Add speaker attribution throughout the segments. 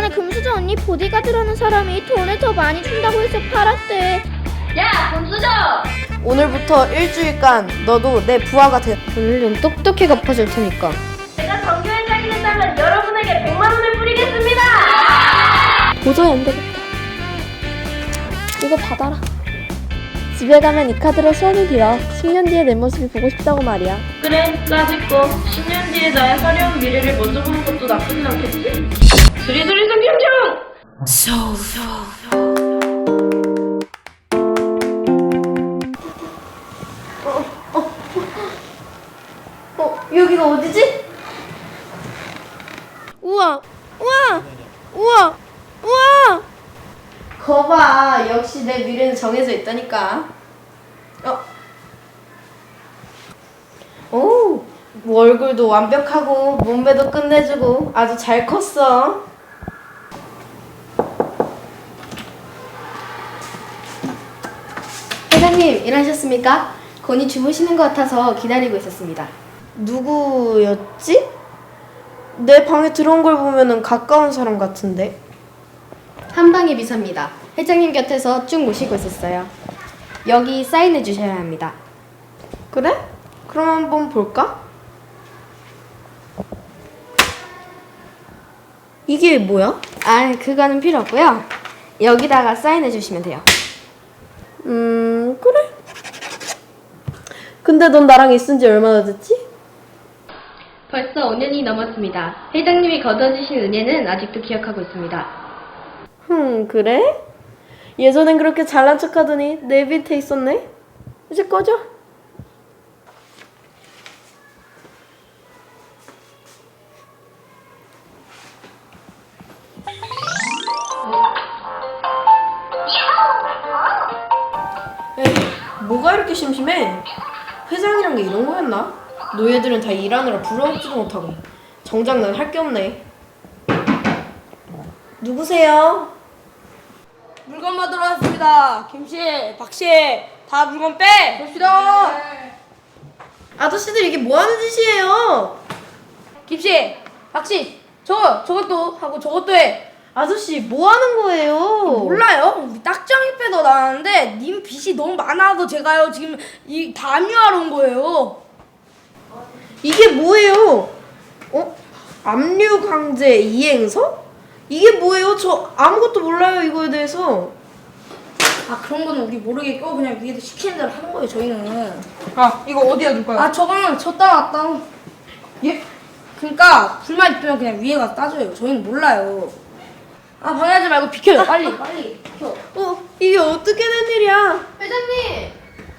Speaker 1: 예전에 금수저 언니 보디가드라는 사람이 돈을 더 많이 준다고 해서 팔았대.
Speaker 2: 야, 금수저!
Speaker 3: 오늘부터 일주일간 너도 내 부하가 돼.
Speaker 1: 오늘은 똑똑히 갚아줄 테니까.
Speaker 2: 제가 정규 회장이 된다면 여러분에게 100만 원을 뿌리겠습니다!
Speaker 1: 도저히 안 되겠다. 이거 받아라. 집에 가면 이 카드로 소원을 빌어. 10년 뒤에 내 모습이 보고 싶다고 말이야.
Speaker 2: 그래, 까짓거 10년 뒤에 나의 화려한 미래를 먼저 보는 것도 나쁘진 않겠지? 수리수리 성경정!
Speaker 3: 여기가 어디지?
Speaker 1: 우와! 우와! 우와! 우와!
Speaker 3: 거봐, 역시 내 미래는 정해져 있다니까. 오, 얼굴도 완벽하고 몸매도 끝내주고 아주 잘 컸어.
Speaker 4: 회장님, 일하셨습니까? 건이 주무시는 것 같아서 기다리고 있었습니다.
Speaker 3: 누구였지? 내 방에 들어온 걸 보면은 가까운 사람 같은데.
Speaker 4: 한방의 비서입니다. 회장님 곁에서 쭉 모시고 있었어요. 여기 사인해 주셔야 합니다.
Speaker 3: 그래? 그럼 한번 볼까? 이게 뭐야?
Speaker 4: 아, 그거는 필요 없고요. 여기다가 사인해 주시면 돼요.
Speaker 3: 그래. 근데 넌 나랑 있은 지 얼마나 됐지?
Speaker 4: 벌써 5년이 넘었습니다. 회장님이 거둬주신 은혜는 아직도 기억하고 있습니다.
Speaker 3: 그래? 예전엔 그렇게 잘난 척 하더니 내 밑에 있었네? 이제 꺼져. 에이, 뭐가 이렇게 심심해? 회장이란 게 이런 거였나? 노예들은 다 일하느라 부러먹지도 못하고 정작 난 할 게 없네. 누구세요?
Speaker 5: 물건 받으러 왔습니다. 김씨, 박씨, 다 물건 빼! 봅시다!
Speaker 3: 아저씨들 이게 뭐 하는 짓이에요?
Speaker 5: 김씨, 박씨, 저것도 하고 저것도 해.
Speaker 3: 아저씨 뭐 하는 거예요?
Speaker 5: 몰라요? 우리 딱정이 빼더 나왔는데 님 빚이 너무 많아서 제가요 지금 이 담유하러 온 거예요.
Speaker 3: 이게 뭐예요? 압류 강제 이행서? 이게 뭐예요? 저 아무것도 몰라요 이거에 대해서.
Speaker 5: 아, 그런 거는 우리 모르겠고 그냥 위에서 시키는 대로 하는 거예요 저희는.
Speaker 6: 아, 이거 어디다 둘까요?
Speaker 5: 아, 저거는 저 따왔다.
Speaker 6: 예?
Speaker 5: 그러니까 불만 있으면 그냥 위에 가서 따줘요. 저희는 몰라요. 아, 방해하지 말고 비켜요. 빨리 비켜.
Speaker 3: 이게 어떻게 된 일이야?
Speaker 4: 회장님!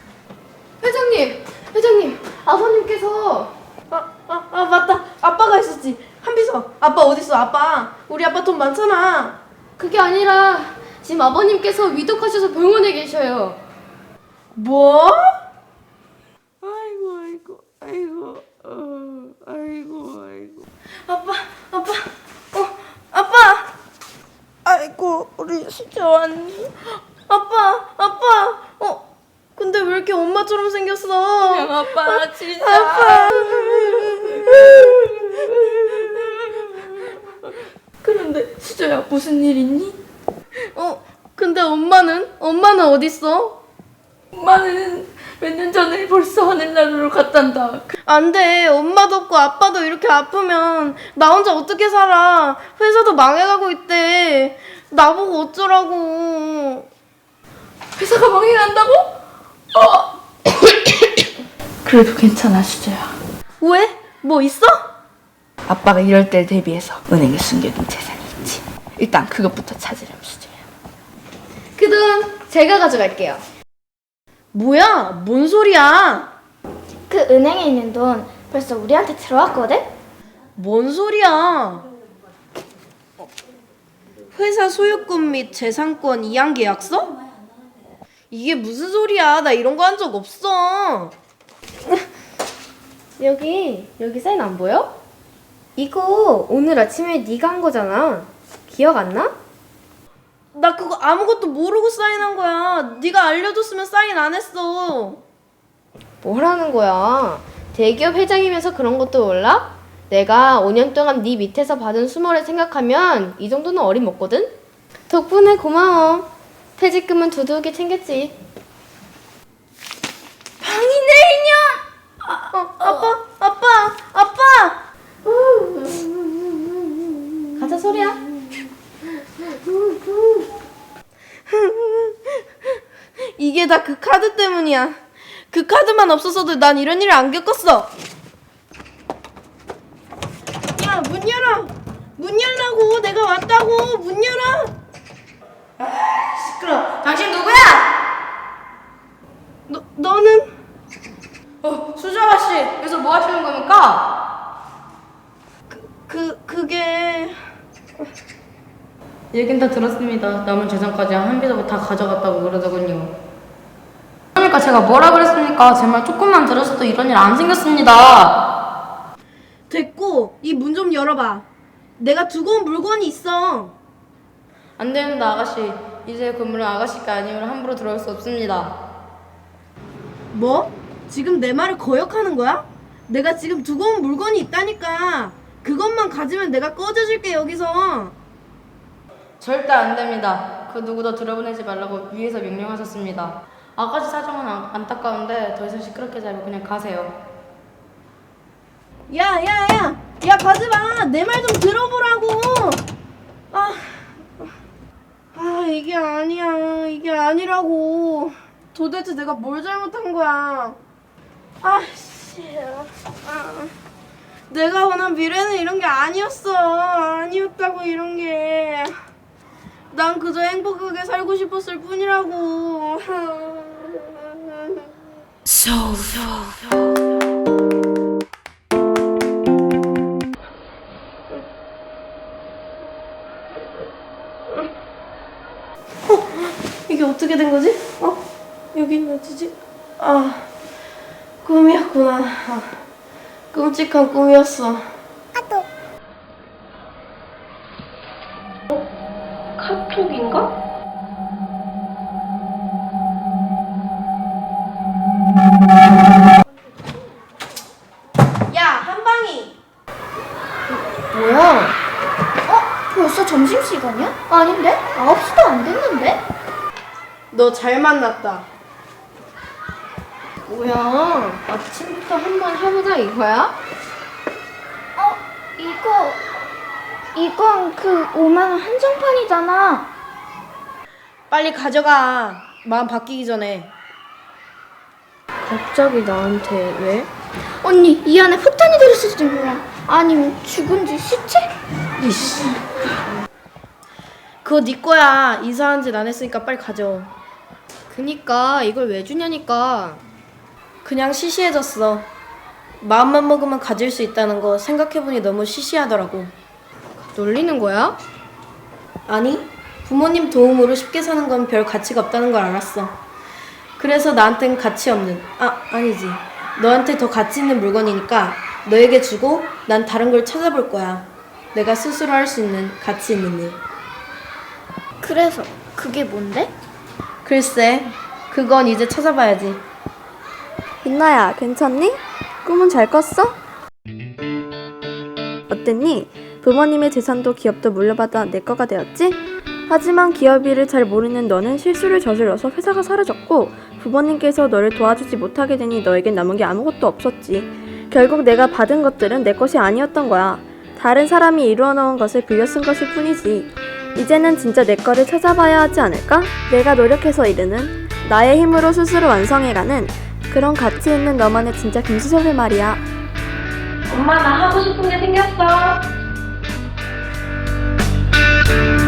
Speaker 4: 회장님! 아버님께서
Speaker 3: 맞다. 아빠가 있었지. 한비서. 아빠 어딨어? 아빠. 우리 아빠 돈 많잖아.
Speaker 4: 그게 아니라 지금 아버님께서 위독하셔서 병원에 계셔요.
Speaker 3: 뭐? 아이고. 아빠. 아이고, 우리 진짜 왔니? 아빠. 근데 왜 이렇게 엄마처럼 생겼어?
Speaker 5: 아빠 진짜.
Speaker 3: 아빠.
Speaker 6: 그런데 수저야, 무슨 일 있니?
Speaker 3: 근데 엄마는 어딨어?
Speaker 6: 엄마는 몇 년 전에 벌써 하늘나라로 갔단다.
Speaker 3: 안 돼. 엄마도 없고 아빠도 이렇게 아프면 나 혼자 어떻게 살아? 회사도 망해가고 있대. 나보고 어쩌라고.
Speaker 6: 회사가 망해간다고? 그래도 괜찮아, 수저야.
Speaker 3: 왜? 뭐 있어?
Speaker 6: 아빠가 이럴 때 대비해서 은행에 숨겨둔 재산이 있지. 일단 그것부터 찾으렴, 수저야.
Speaker 4: 그 돈 제가 가져갈게요.
Speaker 3: 뭐야? 뭔 소리야?
Speaker 1: 그 은행에 있는 돈 벌써 우리한테 들어왔거든?
Speaker 3: 뭔 소리야? 회사 소유권 및 재산권 이양 계약서? 이게 무슨 소리야? 나 이런 거 한 적 없어.
Speaker 4: 여기 사인 안 보여? 이거 오늘 아침에 네가 한 거잖아. 기억 안 나?
Speaker 3: 나 그거 아무것도 모르고 사인한 거야. 네가 알려줬으면 사인 안 했어.
Speaker 4: 뭐라는 거야? 대기업 회장이면서 그런 것도 몰라? 내가 5년 동안 네 밑에서 받은 수모를 생각하면 이 정도는 어림없거든? 덕분에 고마워. 퇴직금은 두둑이 챙겼지. 가자, 소리야.
Speaker 3: 이게 다 그 카드 때문이야. 그 카드만 없었어도 난 이런 일을 안 겪었어. 야, 문 열어. 문 열라고. 내가 왔다고. 문 열어. 시끄러. 당신 누구야? 너는?
Speaker 4: 수저 아가씨, 여기서 뭐 하시는 겁니까?
Speaker 3: 그게...
Speaker 4: 얘긴 다 들었습니다. 남은 재산까지 한 비서고 다 가져갔다고 그러더군요. 그러니까 제가 뭐라 그랬습니까? 제 말 조금만 들었어도 이런 일 안 생겼습니다.
Speaker 3: 됐고, 이 문 좀 열어봐. 내가 두고 온 물건이 있어.
Speaker 4: 안 됩니다, 아가씨. 이제 건물은 아가씨가 아니면 함부로 들어올 수 없습니다.
Speaker 3: 뭐? 지금 내 말을 거역하는 거야? 내가 지금 두고 온 물건이 있다니까. 그것만 가지면 내가 꺼져줄게, 여기서.
Speaker 4: 절대 안 됩니다. 그 누구도 들어보내지 말라고 위에서 명령하셨습니다. 아가씨 사정은 안타까운데 더 이상 시끄럽게 하지 말고 그냥 가세요.
Speaker 3: 야, 가지 마. 내 말 좀 들어보라고. 이게 아니야. 이게 아니라고. 도대체 내가 뭘 잘못한 거야? 내가 원한 미래는 이런 게 아니었어. 아니었다고, 이런 게. 난 그저 행복하게 살고 싶었을 뿐이라고. 이게 어떻게 된 거지? 여긴 어디지? 꿈이었구나. 끔찍한 꿈이었어.
Speaker 2: 카톡인가?
Speaker 3: 야, 한방이.
Speaker 5: 뭐야? 벌써 점심시간이야? 아닌데? 9시도 안 됐는데?
Speaker 3: 너 잘 만났다.
Speaker 4: 뭐야? 아침부터 한번 해보자 이거야?
Speaker 5: 이건 그 5만원 한정판이잖아.
Speaker 3: 빨리 가져가. 마음 바뀌기 전에.
Speaker 4: 갑자기 나한테 왜?
Speaker 5: 언니, 이 안에 폭탄이 들었을지 몰라. 아니면 죽은 지 시체?
Speaker 3: 그거 네 거야. 이사한 짓 안 했으니까 빨리 가져.
Speaker 4: 그니까 이걸 왜 주냐니까.
Speaker 3: 그냥 시시해졌어. 마음만 먹으면 가질 수 있다는 거 생각해보니 너무 시시하더라고.
Speaker 4: 놀리는 거야?
Speaker 3: 아니, 부모님 도움으로 쉽게 사는 건 별 가치가 없다는 걸 알았어. 그래서 나한텐 가치 없는, 아니지. 너한테 더 가치 있는 물건이니까 너에게 주고 난 다른 걸 찾아볼 거야. 내가 스스로 할 수 있는 가치 있는 일.
Speaker 5: 그래서 그게 뭔데?
Speaker 3: 글쎄, 그건 이제 찾아봐야지.
Speaker 1: 민나야, 괜찮니? 꿈은 잘 꿨어? 어땠니? 부모님의 재산도 기업도 물려받아 내 거가 되었지? 하지만 기업 일을 잘 모르는 너는 실수를 저질러서 회사가 사라졌고 부모님께서 너를 도와주지 못하게 되니 너에겐 남은 게 아무것도 없었지. 결국 내가 받은 것들은 내 것이 아니었던 거야. 다른 사람이 이루어 놓은 것을 빌려 쓴 것일 뿐이지. 이제는 진짜 내 거를 찾아봐야 하지 않을까? 내가 노력해서 이루는, 나의 힘으로 스스로 완성해가는 그런 가치 있는 너만의 진짜 김수섭의 말이야.
Speaker 2: 엄마 나 하고 싶은 게 생겼어.